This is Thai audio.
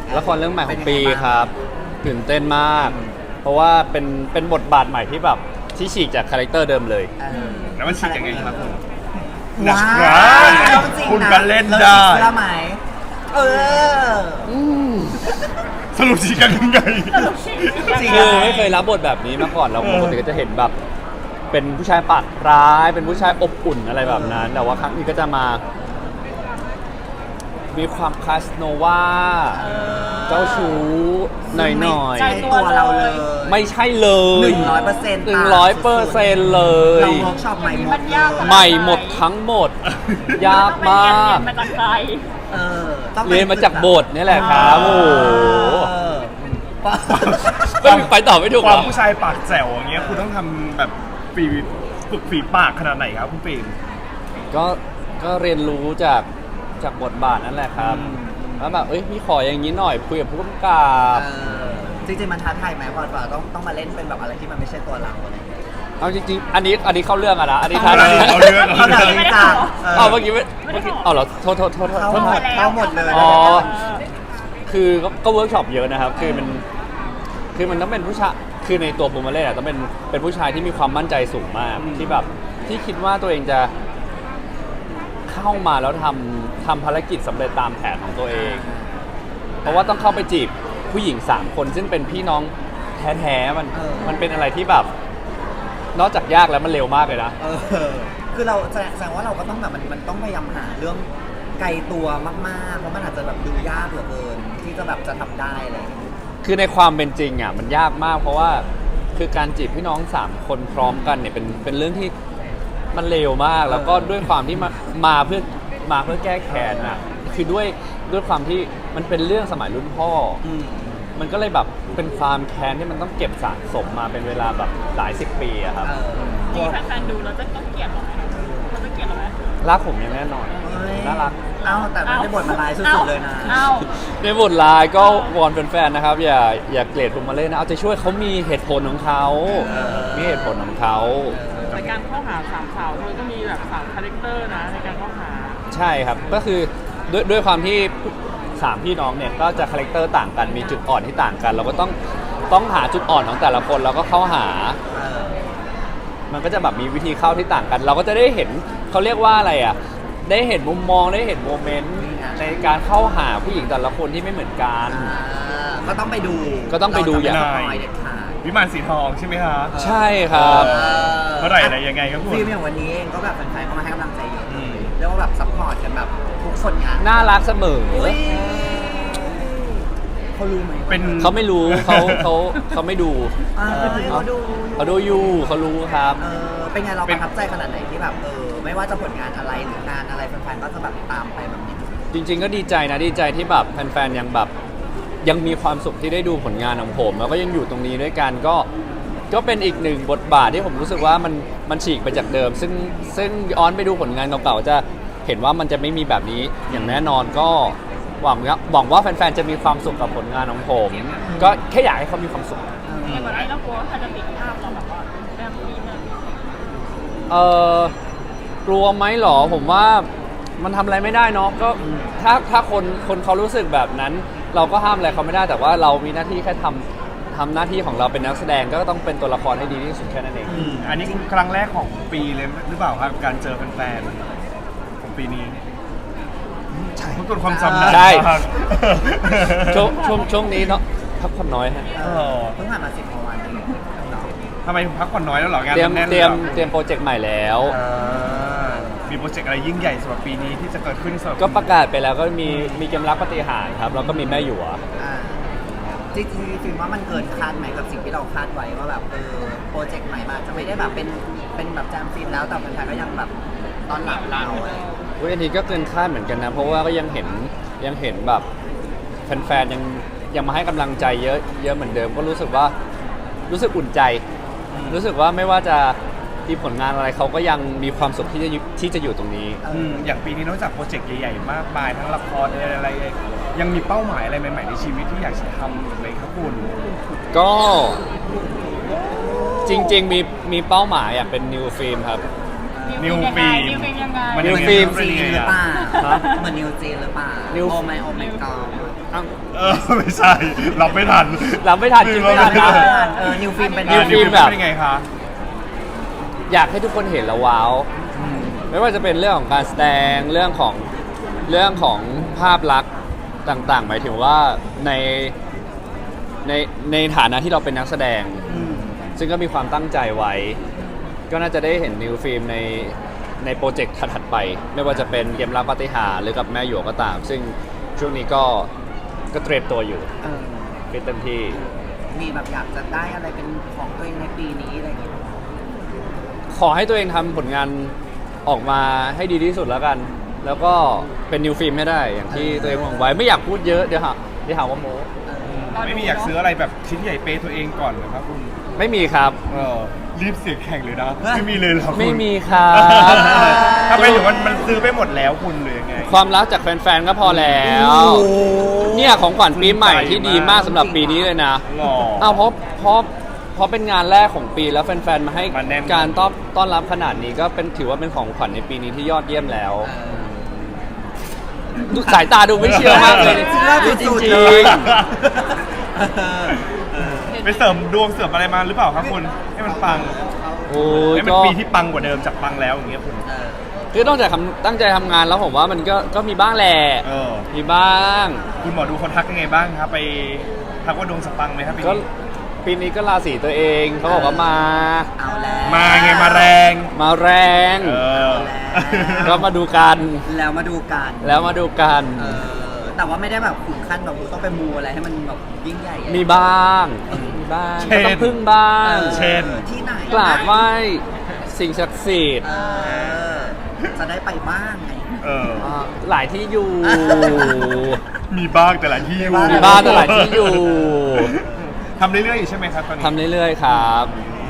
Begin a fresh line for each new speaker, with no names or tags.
ละครเรื่องใหม่ของปีครับตื่นเต้นมาก เพราะว่าเป็นบทบาทใหม่ที่แบบที่ฉีกจากคาแรคเตอร์เดิมเลย
แล้วมันฉีกยังไงครับคุณ
ว้าว
คุณก็เล่นได้
เชื่อไหมเออ
สรุปฉีกกันยังไง
จริง
คือไม่เคยรับบทแบบนี้มาก่อนเราปกติก็จะเห็นแบบเป็นผู้ชายปากร้ายเป็นผู้ชายอบอุ่นอะไรแบบนั้น แต่ว่าครั้งนี้ก็จะมา มีความคาสโนวาเจ้าชู้หน่อย
ใช่ตัวเราเลย
ๆไม่ใช่เลย
100%
100%เลย
เราเวิร์กช็อปใหม่หมดเลย
ใหม่หมดทั้งหมด ยากมาก
มาจากใคร
เออต้อง
เรียนมาจากบทนี่แหละครับโอ้โห
เออ
ไม่ไปต่อไม่ถูก
ค
เหร
วาม
อ
ผู้ชายปากแจ๋วอย่างเงี้ยคุณต้องทำแบบฝึกฝีปากขนาดไหนครับคุณปีน
ก็เรียนรู้จากบทบาทนั่นแหละครับแล้วแบบพี่ขออย่างนี้หน่อยคุยกับผู้กำกับ
จริงๆมันท้าทายไหมพอต้องมาเล่นเป็นแบบอะไรที่มันไม่ใช่ตัวเราอะไรอย่างเงี้ย
เอาจริงๆอันนี้เข้าเรื่องอะนะอันนี้ท้า
เอา
ทาย
เรื่อง
เขาแบบจริงจัง
เอาเมื่อกี้เอาเหรอโทษ
เข้าหมดเลย
อ๋อคือก็เวิร์กช็อปเยอะนะครับคือมันต้องเป็นผู้ชายคือในตัวบูมเมเล่ต้องเป็นผู้ชายที่มีความมั่นใจสูงมากที่แบบที่คิดว่าตัวเองจะเข้ามาแล้วทำภารกิจสำเร็จตามแผนของตัวเอง เพราะว่าต้องเข้าไปจีบผู้หญิง3คนซึ่งเป็นพี่น้องแท้ๆมันเป็นอะไรที่แบบนอกจากยากแล้วมันเร็วมากเลยนะ
คือเราแสดงว่าเราก็ต้องแบบมันต้องพยายามหาเรื่องไกลตัวมากๆเพราะมันอาจจะแบบดูยากเหลือเกินที่จะแบบจะทำได้อะไรอย่างเงี้ย
คือในความเป็นจริงอ่ะมันยากมากเพราะว่าคือการจีบพี่น้อง3คนพร้อมกันเนี่ยเป็นเรื่องที่มันเร็วมากแล้วก็ด้วยความที่มาเพื่อแก้แค้นอ่ะคือด้วยความที่มันเป็นเรื่องสมัยรุ่นพ่อมันก็เลยแบบเป็นความแค้นที่มันต้องเก็บสะสมมาเป็นเวลาแบบหลาย10 ปีอะครับ
มีแฟนๆดูแล้วจะต้องเกลียดหรอเราจะเกลียดหรอไหม
รักผมอย่างแน่นอนน่ารัก
เอ้าแต่ไม่ได้บทมาลายสุดๆเลยนะ
เอ้า
ในบทลายก็วอนแฟนๆนะครับอย่าเกลียดผมมาเล่นนะเอาใจช่วยเขามีเหตุผลของเขามีเหตุผลของเขา
ในการเข้าหาสามสาวมันก็มีแบบ3คาแรคเตอร์นะในการเข้าหา
ใช่ครับก็คือด้วยความที่3พี่น้องเนี่ยก็จะคาแรคเตอร์ต่างกันมีจุดอ่อนที่ต่างกัน เราก็ต้องหาจุดอ่อนของแต่ละคนแล้วก็เข้าหา มันก็จะแบบมีวิธีเข้าที่ต่างกัน เราก็จะได้เห็นเขาเรียกว่าอะไรอ่ะได้เห็นมุมมองได้เห็นโมเมนต์ในการเข้าหาผู้หญิงแต่ละคนที่ไม่เหมือนกัน
ก็ต้องไปดู
ก็ต้องไปดูอย่าง
เราจะไม่สปอยเด็ดขาด
วิมานสีทองใช่ไหมคะ
ใช่ครับ
เมื่อไหร่อะไรยังไงครับคุณ
ฟิล์มอย่างวันนี้เองก็แบบแฟนๆเข้ามาให้กำลังใจเยอะเรียกว่าแบบซัพพอร์ตกันแบบทุกผลงาน
น่ารักเสมอ
อุ๊ยเขารู้ไหม
เป็น
เขาไม่รู้เขาไม่ดู
เขาดู
เขาดูอยู่เขารู้ครับ
เป็นไงเราประทับใจขนาดไหนที่แบบไม่ว่าจะผลงานอะไรหรืองานอะไรแฟนๆก็จะแบบตามไปแบบนี้
จริงๆก็ดีใจนะดีใจที่แบบแฟนๆยังแบบยังมีความสุขที่ได้ดูผลงานของผม แล้วก็ยังอยู่ตรงนี้ด้วยกันก็เป็นอีกหนึ่งบทบาทที่ผมรู้สึกว่ามันฉีกไปจากเดิม ซึ่งย้อนไปดูผลงานเก่าๆจะเห็นว่ามันจะไม่มีแบบนี้อย่างแน่นอนก็หวังว่าแฟนๆจะมีความสุขกับผลงานของผม ก็แค่อยากให้เขามีความสุข
ในวันนี้เรากลัวว่าใครจะติดภาพเราแบบว่าแบบนี้นะ
กลัวไหมหรอผมว่ามันทำอะไรไม่ได้เนาะก็ถ้าคนเขารู้สึกแบบนั้น เราก็ห้ามอะไรเขาไม่ได้แต่ว่าเรามีหน้าที่แค่ทำหน้าที่ของเราเป็นนักแสดงก็ต้องเป็นตัวละครให้ดีที่สุดแค่นั้นเอง
อันนี้ครั้งแรกของปีเลยหรือเปล่าครับการเจอแฟนๆของปีนี้ใช่ทุกคนความจำได้
ใช่
มาก
ช่วงนี้เนาะพักผ่อนน้อยฮะ
เพิ่งผ่านมา10 กว่าวันเองเนาะ
ทำไมพักผ่อนน้อยแล้วเหรองาน
เตรียม
แน่น
เต
เล
รี
ย
ย
เห
ม
รอ
เตรียมโปรเจกต์ใหม่แล้ว
มีโปรเจกต์อะไรยิ่งใหญ่สำหรับปีนี้ที่จะเกิดขึ้นสำหรับ
ก็ประกาศไปแล้วก็มีเกมรักปฏิหารย์ครับแล้วก็มีแม่หยว
จริงๆฟิล์มว่ามันเกินคาดไหมกับสิ่งที่เราคาดไว้ว่าแบบโปรเจกต์ใหม่มาจะไม่ได้แบบเป็นแบบแจมฟิล์มแล้วแต่แฟนๆก็ยังแบบตอนหลับเราอะไรอย่างเงี้ย
อันนี้ก็เกินคาดเหมือนกันนะเพราะว่าก็ยังเห็นแบบแฟนๆยังมาให้กำลังใจเยอะเหมือนเดิมก็รู้สึกอุ่นใจ รู้สึกว่าไม่ว่าจะมีผลงานอะไรเขาก็ยังมีความสุขที่จะอยู่ตรงนี้
อย่างปีนี้นอกจากโปรเจกต์ใหญ่ๆมากมายทั้งละครอะไรยังมีเป้าหมายอะไรใหม่ๆในชีวิตที่อยากจะทำอีกไหมครับคุณ
ก็จริงๆมีเป้าหมายอยากเป็นนิวฟิล์มครับ
นิวฟิล์ม
นิวฟิล์มยังไง
มัน
นิวฟิล์ม
จีนหรือเปล่า
ฮะ
เหมือนนิวจีนหรือเปล่า
นิว
โอไมกอ
ไม่ใช่รับไม่ทัน
รับไม่ทันคิดไม่ทันนะ
นิวฟิล์มเป็น
นิวฟิล์มแบบ
เป็นยังไงคะ
อยากให้ทุกคนเห็นแล้วว้าว ไม่ว่าจะเป็นเรื่องของการแสดงเรื่องของภาพลักษณ์ต่างๆ หมายถึงว่าในในฐานะที่เราเป็นนักแสดง
อืม
ซึ่งก็มีความตั้งใจไว้ ก็น่าจะได้เห็นนิวฟิล์มในโปรเจกต์ถัดๆไป ไม่ว่าจะเป็นเกมรักปาฏิหาริย์หรือกับแม่หยวกก็ตาม ซึ่งช่วงนี้ก็เตรียมตัวอยู่
เออ
ฟิตเต็มที่
มีแบบอยากจะได้อะไรเป็นของตัวเองในปีนี้อะไรอย่างเงี้ย
ขอให้ตัวเองทำผลงานออกมาให้ดีที่สุดแล้วกัน แล้วก็เป็นนิวฟิล์มให้ได้ อย่างที่ตัวเองหวังไว้ ไม่อยากพูดเยอะเดี๋ยวหาว่าโม้
ไม่มีอยากซื้ออะไรแบบชิ้นใหญ่เปย์ตัวเองก่อนเหรอครับคุณ
ไม่มีครับ
รีบเสียงแข่งเลยนะ ไม่มีเลยเหรอคุณ
ไม่มีครับ
ถ้าไปถึงมันซื้อไปหมดแล้วคุณหรือยังไง
ความรักจากแฟนๆก็พอแล้ว เนี่ยของขวัญปีใหม่ที่ดีมากสำหรับปีนี้เลยนะ
หรอ
เอาเพราะเป็นงานแรกของปีแล้วแฟนๆมาให้
มาแน่น
การต้อนรับขนาดนี้ก็ถือว่าเป็นของขวัญในปีนี้ที่ยอดเยี่ยมแล้ว สายตาดูไม่เชื่อมากเลย
เชื่อ
จริง
สุดๆ
จริ
เล
ง
ย
ไปเสริมดวงเสริมอะไรมาหรือเปล่าครับคุณ ให้มันปัง
โอ้ย
ให้มัน
ก็
ปีที่ปังกว่าเดิมจากปังแล้วอย่างเงี้ยคุณ
คือต้องตั้งใจทำงานแล้วผมว่ามันก็มีบ้างแหละ มีบ้าง
คุณหมอดูคนทักยังไงบ้างครับ ไปทักว่าดวงสปังไหมครับปี
ก็
นี้
ปีนี้ก็ราศีตัวเองเขาบอกว่ามา
เอาแล้ว
มาไงมาแรง
มาแรง
เออ
ก็มาดูกัน
แล้วมาดูกัน
แล้วมาดูกัน
แต่ว่าไม่ได้แบบขุนขั้นแบบต้องไปมูอะไรให้มันแบบยิ่งใหญ่อะไร
มีบ้างมีบ้างก็ต้องพึ่งบ้าง
เช่น
ที่ไหน
กราบไหว้สิ่งศักดิ์สิทธิ์
จะได้ไปบ้างไง
หลายที่อยู่
มีบ้างแต่หลายที่อยู่
มีบ้างแต่หลายที่อยู่
ทำเรื่อยๆอยู่ใช่ไหมครับตอนนี้
ทำเรื่อยๆครับ
อืม